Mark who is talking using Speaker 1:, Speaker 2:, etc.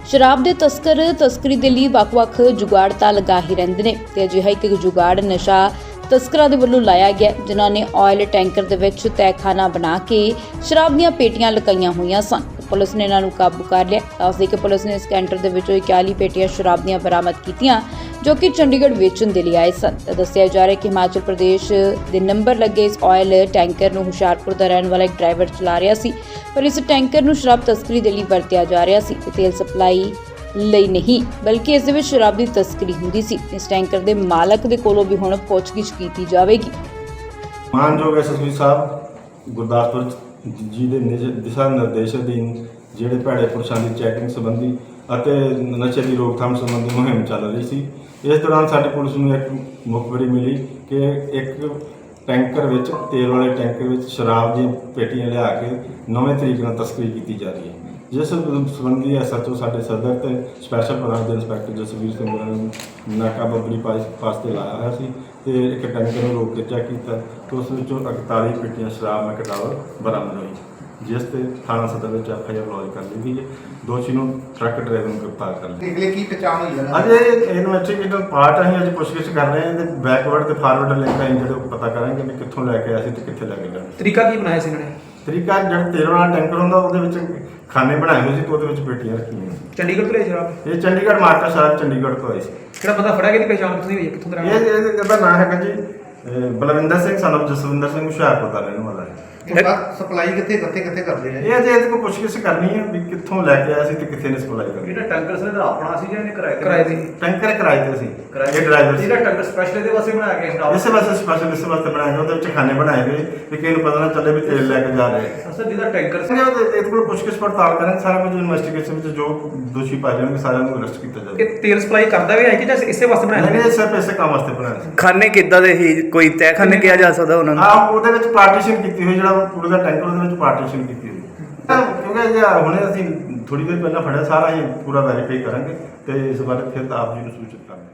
Speaker 1: शराब के तस्कर तस्करी के लिए ਵੱਖ-ਵੱਖ जुगाड़ ਤਾਂ लगा ही ਰਹਿੰਦੇ ਨੇ ਤੇ ਅਜਿਹਾ ਇੱਕ जुगाड़ नशा तस्कਰਾਂ ਦੇ ਵੱਲੋਂ ਲਾਇਆ ਗਿਆ ਜਿਨ੍ਹਾਂ ਨੇ ਆਇਲ ਟੈਂਕਰ ਦੇ ਵਿੱਚ ਤਹਿਖਾਨਾ ਬਣਾ ਕੇ ਸ਼ਰਾਬ ਦੀਆਂ ਪੇਟੀਆਂ ਲਗਾਈਆਂ ਹੋਈਆਂ ਸਨ। ਪੁਲਿਸ ਨੇ ਇਹਨਾਂ ਨੂੰ ਕਾਬੂ ਕਰ ਲਿਆ। ਦੱਸਦੇ ਕਿ ਪੁਲਿਸ ਨੇ ਇਸ ਕੈਂਟਰ ਦੇ ਵਿੱਚੋਂ 41 ਪੇਟੀਆਂ ਸ਼ਰਾਬ ਦੀਆਂ ਬਰਾਮਦ ਕੀਤੀਆਂ ਜੋ ਕਿ ਚੰਡੀਗੜ੍ਹ ਵੇਚਣ ਦੇ ਲਈ ਆਏ ਸਨ। ਤਾਂ ਦੱਸਿਆ ਜਾ ਰਿਹਾ ਕਿ ਹਿਮਾਚਲ ਪ੍ਰਦੇਸ਼ ਦੇ ਨੰਬਰ ਲੱਗੇ ਇਸ ਆਇਲ ਟੈਂਕਰ ਨੂੰ ਹੁਸ਼ਿਆਰਪੁਰ ਦਾ ਰਹਿਣ ਵਾਲਾ ਇੱਕ ਡਰਾਈਵਰ ਚਲਾ ਰਿਹਾ ਸੀ, ਪਰ ਇਸ ਟੈਂਕਰ ਨੂੰ ਸ਼ਰਾਬ ਤਸਕਰੀ ਦੇ ਲਈ ਵਰਤਿਆ ਜਾ ਰਿਹਾ ਸੀ ਤੇ ਤੇਲ ਸਪਲਾਈ ਲਈ ਨਹੀਂ ਬਲਕਿ ਇਸ ਦੇ ਵਿੱਚ ਸ਼ਰਾਬ ਦੀ ਤਸਕਰੀ ਹੁੰਦੀ ਸੀ। ਇਸ ਟੈਂਕਰ ਦੇ ਮਾਲਕ ਦੇ ਕੋਲੋਂ ਵੀ ਹੁਣ ਪੁੱਛਗਿੱਛ ਕੀਤੀ ਜਾਵੇਗੀ।
Speaker 2: ਮਾਨਯੋਗ ਐਸਐਸਪੀ ਸਾਹਿਬ ਗੁਰਦਾਸਪੁਰ ਜੀ ਦੇ ਦਿਸ਼ਾ ਨਿਰਦੇਸ਼ ਅਧੀਨ ਜਿਹੜੇ ਭੈੜੇ ਪੁਰਸ਼ਾਂ ਦੀ ਚੈਕਿੰਗ ਸੰਬੰਧੀ ਅਤੇ ਨਸ਼ੇ ਦੀ ਰੋਕਥਾਮ ਸੰਬੰਧੀ ਮੁਹਿੰਮ ਚੱਲ ਰਹੀ ਸੀ। ਇਸ ਦੌਰਾਨ ਸਾਡੀ ਪੁਲਿਸ ਨੂੰ ਇੱਕ ਮੁਖਬਰੀ ਮਿਲੀ ਕਿ ਇੱਕ ਟੈਂਕਰ ਵਿੱਚ ਤੇਲ ਵਾਲੇ ਟੈਂਕਰ ਵਿੱਚ ਸ਼ਰਾਬ ਦੀਆਂ ਪੇਟੀਆਂ ਲਿਆ ਕੇ ਨਵੇਂ ਤਰੀਕੇ ਨਾਲ ਤਸਕਰੀ ਕੀਤੀ ਜਾ ਰਹੀ ਹੈ, ਜਿਸ ਸੰਬੰਧੀ ਐਸਐਚਓ ਸਾਡੇ ਸਦਰ ਤੇ ਸਪੈਸ਼ਲ ਬ੍ਰਾਂਚ ਦੇ ਇੰਸਪੈਕਟਰ ਜਸਵੀਰ ਸਿੰਘ ਹੋਰਾਂ ਨੇ ਨਾਕਾਬੰਦੀ ਪਾਸ ਤੇ ਲਾਇਆ ਹੋਇਆ ਸੀ ਤੇ ਇੱਕ ਟੈਂਕਰ ਨੂੰ ਰੋਕ ਕੇ ਚੈੱਕ ਕੀਤਾ ਤੇ ਉਸ ਵਿੱਚੋਂ 41 ਪੇਟੀਆਂ ਸ਼ਰਾਬ ਮੈਕਡਾਵਰ ਬਰਾਮਦ ਹੋਈ, ਜਿਸ ਤੇ ਥਾਣਾ ਸਦਰ ਵਿੱਚ ਐਫਆਈਆਰ ਲੌਜ ਕਰ ਲਈ ਗਈ ਹੈ। ਦੋਸ਼ੀ ਨੂੰ ਟਰੱਕ ਡਰਾਈਵਰ ਨੂੰ ਗ੍ਰਿਫਤਾਰ ਕਰ ਲਿਆ।
Speaker 3: ਨਿਕਲੇ ਕੀ ਪਛਾਣ ਹੋਈ ਹੈ?
Speaker 2: ਅਜੇ ਇਨਵੈਸਟੀਗੇਟਿਵ ਪਾਰਟ ਅਸੀਂ ਅੱਜ ਪੁੱਛਗਿੱਛ ਕਰ ਰਹੇ ਹਾਂ ਤੇ ਬੈਕਵਰਡ ਤੇ ਫਾਰਵਰਡ ਲਿੰਕ ਅਸੀਂ ਜਿਹੜੇ ਪਤਾ ਕਰਾਂਗੇ ਕਿ ਕਿੱਥੋਂ ਲੈ ਕੇ ਆਏ ਸੀ ਤੇ ਕਿੱਥੇ ਲੈ ਕੇ ਜਾਣਾ।
Speaker 4: ਤਰੀਕਾ ਕੀ ਬਣਾਇਆ ਸੀ ਇਹਨਾਂ ਨੇ?
Speaker 2: ਤਰੀਕਾ ਜਿਹੜਾ ਤੇਲ ਵਾਲਾ ਟੈਂਕਰ ਹੁੰਦਾ ਉਹਦੇ ਵਿੱਚ ਖਾਨੇ ਬਣਾਏ ਹੋਏ ਸੀ ਤੇ ਉਹਦੇ ਵਿੱਚ ਪੇਟੀਆਂ ਰੱਖੀਆਂ।
Speaker 4: ਚੰਡੀਗੜ੍ਹ ਤੋਂ ਲਈ ਸ਼ਰਾਬ?
Speaker 2: ਇਹ ਚੰਡੀਗੜ੍ਹ ਮਾਰਕਾ ਸ਼ਹਿਰ ਚੰਡੀਗੜ੍ਹ ਤੋਂ ਆਈ ਸੀ।
Speaker 4: ਕਿਹੜਾ ਬੰਦਾ ਫੜਿਆ ਗਿਆ? ਪਛਾਣ ਕਿੱਥੋਂ ਦੀ ਹੋਈ ਹੈ? ਕਿੱਥੋਂ ਦਾ?
Speaker 2: ਇਹਦਾ ਨਾਮ ਹੈਗਾ ਜੀ ਬਲਵਿੰਦਰ ਸਿੰਘ son of ਜਸਵਿੰਦਰ ਸਿੰਘ ਹੁਸ਼ਿਆਰਪੁਰ ਦਾ ਰਹਿਣ ਵਾਲਾ ਹੈ।
Speaker 3: ਸਪਲਾਈ ਕਿੱਥੇ ਕਰਦੇ ਨੇ?
Speaker 2: ਇਹ ਅਜੇ ਇਹਦੇ ਕੋਲ ਪੁੱਛਗਿੱਛ ਕਰਨੀ ਹੈ ਵੀ ਕਿੱਥੋਂ ਲੈ ਕੇ ਆਇਆ ਸੀ ਤੇ ਕਿੱਥੇ ਨੇ ਸਪਲਾਈ ਕਰਨੀ।
Speaker 5: ਇਹਦਾ ਟੈਂਕਰ ਸੀ ਦਾ ਆਪਣਾ ਸੀ ਜਾਂ ਇਹਨੇ
Speaker 4: ਕਿਰਾਏ ਤੇ?
Speaker 2: ਟੈਂਕਰ ਕਿਰਾਏ ਤੇ ਸੀ। ਇਹ ਡਰਾਈਵਰ ਸੀ।
Speaker 5: ਇਹਦਾ ਟੈਂਕਰ ਸਪੈਸ਼ਲ ਇਹਦੇ ਵਾਸਤੇ ਬਣਾਇਆ ਗਿਆ ਸ਼ਰਾਬ
Speaker 2: ਇਸੇ ਵਾਸਤੇ ਸਪੈਸ਼ਲ ਇਸੇ ਵਾਸਤੇ ਬਣਾਇਆ ਗਿਆ। ਉਹਦੇ ਵਿੱਚ ਖਾਨੇ ਬਣਾਏ ਗਏ ਵੀ ਕਿਸੇ ਨੂੰ ਪਤਾ ਨਾ ਚੱਲੇ ਵੀ ਤੇਲ ਲੈ ਕੇ ਜਾ ਰਹੇ ਆ।
Speaker 5: ਅਸਲ ਜਿਹਦਾ ਟੈਂਕਰ ਸੀ
Speaker 2: ਇਹਦੇ ਕੋਲ ਪੁੱਛਗਿੱਛ ਪੜਤਾਲ ਕਰਾਂਗੇ। ਸਾਰਾ ਕੁਝ ਇਨਵੈਸਟੀਗੇਸ਼ਨ ਵਿੱਚ ਜੋ ਦੋਸ਼ੀ ਪਾਏ ਜਾਣਗੇ ਸਾਰਿਆਂ ਨੂੰ ਅਰੈਸਟ ਕੀਤਾ ਜਾਵੇਗਾ।
Speaker 4: ਇਹ ਤੇਲ ਸਪਲਾਈ ਕਰਦਾ ਵੀ ਹੈ ਕਿ ਜਾਂ ਇਸੇ ਵਾਸਤੇ ਬਣਾਇਆ?
Speaker 2: ਨਹੀਂ, ਸਿਰਫ ਇਸੇ ਕੰਮ ਵਾਸਤੇ ਬਣਾਇਆ ਸੀ।
Speaker 6: ਖਾਨੇ ਕਿੱਦਾਂ ਦੇ ਹੀ ਕੋਈ ਤਹਿਖਾਨੇ ਕਿਹਾ ਜਾ ਸਕਦਾ ਉਹਨਾਂ ਨੂੰ?
Speaker 2: ਹਾਂ, ਉਹਦੇ ਵਿੱਚ ਪਾਰਟੀਸ਼ਨ ਕੀਤੀ ਹੋਈ, ਜਿਹੜਾ ਪੂਰੇ ਦਾ ਟੈਂਕਰ ਉਹਦੇ ਵਿੱਚ ਪਾਰਟੀਸ਼ਨ ਕੀਤੀ ਹੋਈ। ਕਿਉਂਕਿ ਜੇ ਹੁਣੇ ਅਸੀਂ ਥੋੜੀ ਦੇਰ ਪਹਿਲਾਂ ਫੜਿਆ, ਸਾਰਾ ਹੀ ਪੂਰਾ ਵੈਰੀਫਾਈ ਕਰਾਂਗੇ ਤੇ ਇਸ ਬਾਰੇ ਫਿਰ ਆਪ ਜੀ ਨੂੰ ਸੂਚਿਤ ਕਰਾਂਗੇ।